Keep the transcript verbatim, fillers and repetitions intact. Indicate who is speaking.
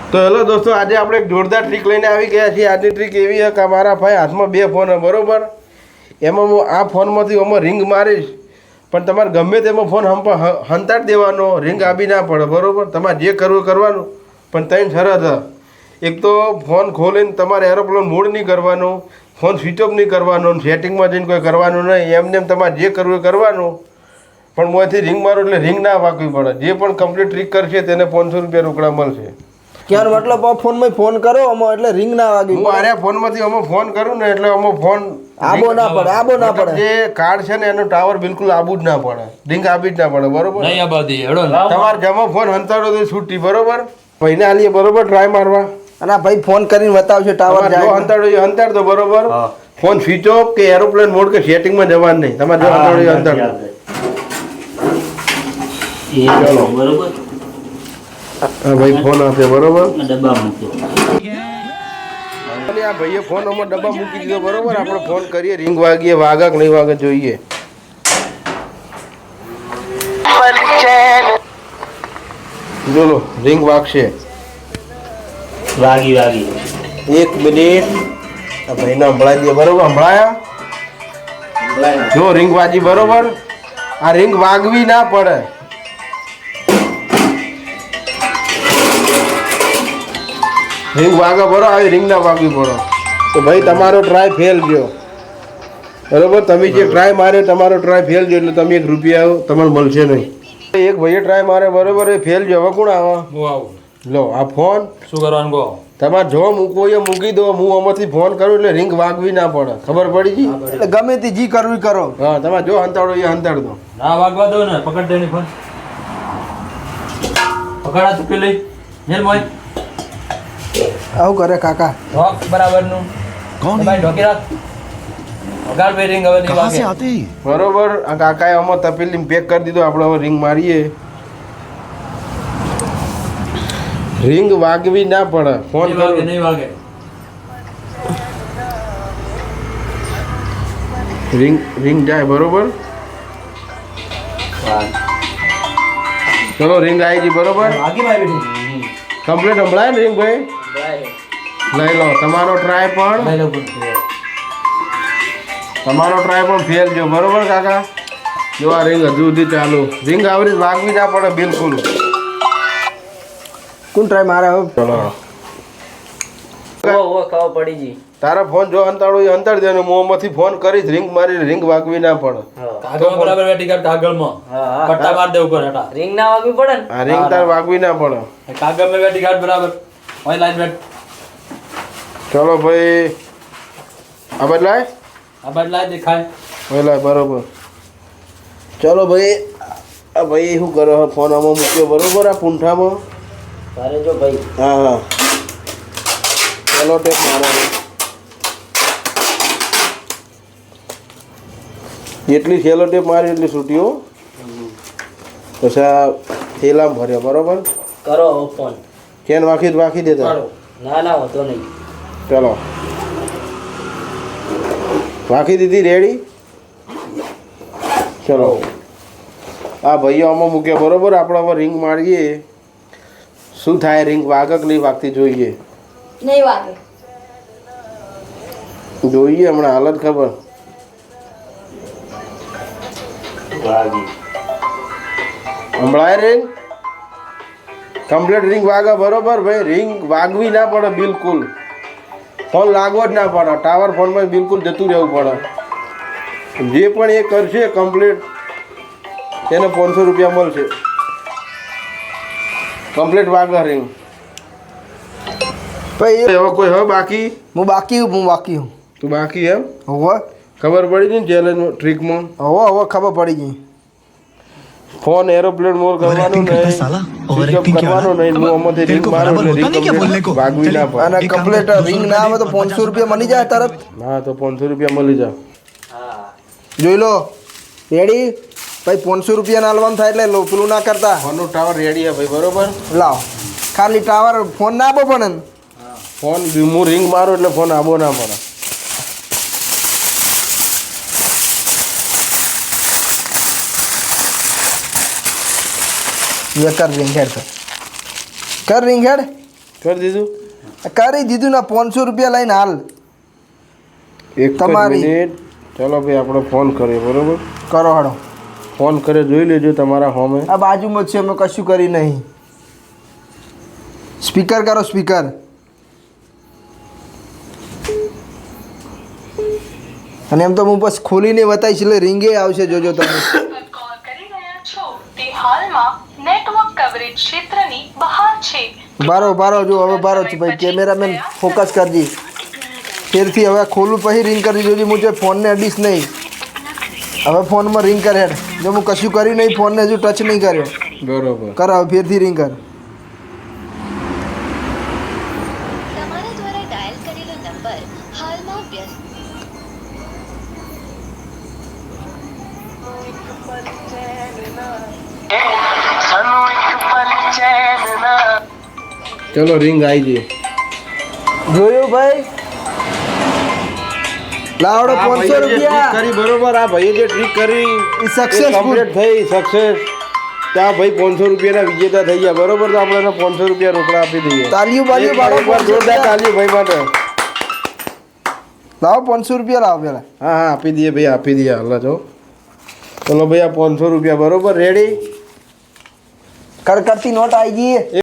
Speaker 1: તો હેલો દોસ્તો, આજે આપણે એક જોરદાર ટ્રીક લઈને આવી ગયા છીએ. આજની ટ્રીક એવી છે કે મારા ભાઈ હાથમાં બે ફોન છે, બરોબર? એમાં હું આ ફોનમાંથી આમાં રિંગ મારીશ, પણ તમારે ગમે તેમાં ફોન હંતાડી દેવાનો, રિંગ આપી ના પડે, બરોબર? તમારે જે કરવું કરવાનું, પણ ત્રણ શરત છે. એક તો ફોન ખોલીને તમારે એરોપ્લેન મોડ નહીં કરવાનું, ફોન સ્વિચ ઓફ નહીં કરવાનો, સેટિંગમાં જઈને કોઈ કરવાનું નહીં. એમને એમ તમારે જે કરવું એ કરવાનું, પણ મોંથી રિંગ મારો એટલે રિંગ ના વાગવી પડે. જે પણ કમ્પ્લીટ ટ્રીક કરશે તેને પાંચસો રૂપિયા રોકડા મળશે.
Speaker 2: ક્યાં મતલબ ફોનમાં ફોન કરો આમાં એટલે રિંગ ના વાગી.
Speaker 1: હું આરે ફોનમાંથી અમે ફોન કરું ને એટલે અમે ફોન
Speaker 2: આબો ના પડે, આબો ના પડે.
Speaker 1: જે કાર્ડ છે ને એનો ટાવર બિલકુલ આબુ જ ના પડે, રિંગ આપી જ ના પડે, બરોબર?
Speaker 3: નહીં આબાદી હેડો
Speaker 1: તમારે જમો ફોન હંતાડો તો છૂટી, બરોબર? ભાઈને આલીએ, બરોબર? ટ્રાય મારવા
Speaker 2: અને આ ભાઈ ફોન કરીને બતાવશે ટાવર
Speaker 1: જો હંતાડો એ હંતાડ દો, બરોબર? ફોન સ્વિચ ઓફ કે એરોપ્લેન મોડ કે સેટિંગમાં જવાનું નહીં. તમારે જો હંતાડો એ હંતાડ દો.
Speaker 3: ચલો બરોબર.
Speaker 1: હા ભાઈ ફોન આપે, બરોબર?
Speaker 3: ડબ્બા મૂક્યો.
Speaker 1: અને આ ભાઈએ ફોન અમારે ડબ્બા મૂકી દીધો, બરોબર? આપણે ફોન કરીએ, રિંગ વાગીએ, વાગે કે નહીં વાગે જોઈએ. બોલો, રિંગ વાગશે.
Speaker 3: વાગી વાગી
Speaker 1: એક મિનિટ, આ ભાઈને સંભળાઈ દે, બરોબર? સંભળાયા? જો રિંગ વાજી, બરોબર? આ રિંગ વાગવી ના પડે. રિંગ વાગે, બરો આવી રિંગ ના વાગવી પડે તો ભાઈ તમારો ટ્રાય ફેલ ગયો, બરોબર? તમે જે ટ્રાય માર્યો તમારો ટ્રાય ફેલ ગયો એટલે તમે એક રૂપિયા તમારે મળશે નહીં. એક ભાઈએ ટ્રાય મારે, બરોબર? એ ફેલ ગયો. હવે કોણ આવે?
Speaker 3: હું આવું.
Speaker 1: લો આ ફોન
Speaker 3: શું કરવાનું કહો?
Speaker 1: તમારે જો મૂકવો એ મૂકી દો. હું આમાંથી ફોન કરું એટલે રિંગ વાગવી ના પડે. ખબર પડી ગઈ?
Speaker 2: એટલે ગમે તે જી કરવું કરો.
Speaker 1: હા, તમારે જો હંતાડો એ હંતાડ દો.
Speaker 3: ના વાગવા દો ને, પકડ દે ની ફોન. પકડા તું પેલી હેલ મોય.
Speaker 2: આવું કરે કાકા.
Speaker 3: ઢોક બરાબર નું. કોણ ભાઈ ઢોકી રાખ. વગાડ બે રિંગ હવે નહીં વાગે.
Speaker 1: બરોબર? આ કાકાએ આમાં તપેલી પેક કરી દીધો. આપણે હવે રિંગ મારીએ. રિંગ વાગવી ના પડે. ફોન
Speaker 3: નહીં વાગે, નહીં વાગે.
Speaker 1: રિંગ રિંગ જાય, બરોબર? ચલો રિંગ આવી ગઈ, બરોબર?
Speaker 3: વાગી ભાઈ બેઠી.
Speaker 1: કમ્પ્લીટ સંભળાય ને રિંગ ભાઈ? લઈ લો. તમારો ટ્રાય પણ
Speaker 3: ભાઈ લોકો
Speaker 1: તમારો ટ્રાય પણ ફેલ ગયો, બરોબર કાકા? જો આ રિંગ હજુ સુધી ચાલુ. રિંગ આવરી વાગવી ના પડે બિલકુલ.
Speaker 2: કોણ ટ્રાય મારે હવે?
Speaker 1: ચલો
Speaker 3: ઓ ઓ ખાવ પડી જી.
Speaker 1: તારા ફોન જો અંતાડો એ અંતાડી દે. મોંમાંથી ફોન કરીશ, રિંગ મારી, રિંગ વાગવી ના પડે.
Speaker 3: કાગળ બરાબર બેઠી કર. કાગળમાં પટ્ટા માર દે ઉપર હેઠા.
Speaker 4: રિંગ ના વાગવી પડે ને.
Speaker 1: આ રિંગ તાર વાગવી ના પડે.
Speaker 3: કાગળ માં બેઠી કાઢ બરાબર. ઓય લાઈન બેઠ.
Speaker 1: ચલો ભાઈ, આ બદલાય,
Speaker 3: આ બાદ લાઈ દેખાય.
Speaker 1: બદલાય, બરોબર? ચલો ભાઈ, આ ભાઈ શું કરો? ફોન આમાં મૂક્યો, બરોબર? આ પૂંઠામાં.
Speaker 4: તારે જો ભાઈ.
Speaker 1: હા હા, ચલો ટેપ મારો. જેટલી સેલો ટેપ મારી એટલી છૂટીઓ. પછી આ થેલામાં ભર્યો, બરોબર?
Speaker 4: કરો ફોન.
Speaker 1: ચેન વાંખી વાંખી દેતા.
Speaker 4: ના ના હોતો નહીં.
Speaker 1: ચલો વાંખી દીધી, રેડી? ચલો આ ભાઈઓ આમાં મૂક્યા, બરોબર? આપણે હવે રિંગ મારીએ. શું થાય? રિંગ વાગે કે નહીં વાગતી જોઈએ.
Speaker 5: નહીં વાગે.
Speaker 1: જોઈએ હમણાં હાલત ખબર.
Speaker 3: વાગી.
Speaker 1: હમણાં રિંગ કમ્પ્લીટ રિંગ વાગે, બરોબર ભાઈ? રિંગ વાગવી ના પડે બિલકુલ. ફોન લાગવો જ ના પડે. ટાવર ફોનમાં બિલકુલ જતું રહેવું પડે. જે પણ એ કરશે કમ્પ્લીટ તેને પાંચસો રૂપિયા મળશે. કમ્પ્લીટ વાગે રિંગ.
Speaker 2: ભાઈ
Speaker 1: હવે કોઈ હવે બાકી?
Speaker 2: હું બાકી હું બાકી હું.
Speaker 1: તું બાકી એમ?
Speaker 2: હવે
Speaker 1: ખબર પડી ગઈ ને ચેલેન્જ ટ્રીકમાં?
Speaker 2: હવે હવે ખબર પડી ગઈ.
Speaker 1: ફોન એરોપ્લેન મોડ કરવાનું નહીં, સ્વિચ ઓફ કરવાનું નહીં. હું આમાંથી રિંગ મારું એટલે રિંગ કમ્પ્લીટ વાગવી ના પડે.
Speaker 2: અને કમ્પ્લીટ રિંગ ના આવે તો પાંચસો રૂપિયા મળી જાય તરત.
Speaker 1: હા, તો પાંચસો રૂપિયા મળી જાય.
Speaker 2: જોઈ લો. રેડી ભાઈ? પાંચસો રૂપિયા ના આલવાનું થાય એટલે લો પેલું ના કરતા.
Speaker 1: ફોનનું ટાવર રેડી છે ભાઈ, બરોબર?
Speaker 2: લાવ ખાલી ટાવર ફોન ના આપો પણ
Speaker 1: ફોન હું રિંગ મારું એટલે ફોન આબો ના પડે.
Speaker 2: ये कर रिंग हेड कर कर रिंग हेड
Speaker 1: કરી દીધું
Speaker 2: કરી દીધું ને પાંચસો રૂપિયા લઈને હાલ
Speaker 1: એક જ
Speaker 2: તમારી.
Speaker 1: મિનિટ ચાલો ભાઈ આપણે ફોન કરીએ બરોબર
Speaker 2: કરો હડો
Speaker 1: ફોન કરે જોઈ લેજો તમારા હોમે
Speaker 2: આ બાજુમાં જ છે અમે કશું કરી નહીં સ્પીકર કરો સ્પીકર અને એમ તો હું બસ ખોલીને બતાવીશ એટલે રિંગે આવશે જોજો તમે
Speaker 5: કોલ કરી રહ્યા છો તે હાલમાં નેટવર્ક કવરેજ ક્ષેત્રની બહાર છે
Speaker 2: બારો બારો જો હવે બારો છે ભાઈ કેમેરામેન ફોકસ કરજી ફેરથી હવે ખોલું પછી રિંગ કરી જોજો હું જે ફોનને અડીશ નહીં હવે ફોનમાં રિંગ કરે હેડ જો હું કશું કર્યું નહીં ફોનને હજુ ટચ નહીં કર્યો
Speaker 1: બરોબર
Speaker 2: કર હવે ફેરથી રિંગ કર
Speaker 6: તમારા દ્વારા ડાયલ કરેલો નંબર હાલમાં વ્યસ્ત
Speaker 1: ચલો રિંગ આવી ગઈ
Speaker 2: જોયું ભાઈ લાવડો
Speaker 1: આ
Speaker 2: પાંચસો
Speaker 1: ભાઈએ જે trick
Speaker 2: રૂપિયા
Speaker 1: કરી બરોબર આ ભાઈએ જે ટ્રીક કરી
Speaker 2: એ successful.
Speaker 1: કમ્પ્લીટ થઈ સક્સેસ ત્યાં ભાઈ પાંચસો રૂપિયાના વિજેતા થઈ ગયા બરોબર તો આપણે એને પાંચસો રૂપિયા રોકડા આપી દઈએ
Speaker 2: તાલીઓ બાલીઓ
Speaker 1: એક
Speaker 2: પાડો,
Speaker 1: વાર જોરદાર તાલીઓ ભાઈ માટે
Speaker 2: લાવો પાંચસો રૂપિયા લાવો પેલા
Speaker 1: હા હા આપી દઈએ ભાઈ આપી દઈએ હાલ જો ચલો ભાઈ આ પાંચસો રૂપિયા બરોબર રેડી
Speaker 2: કડકડતી નોટ આવી ગઈ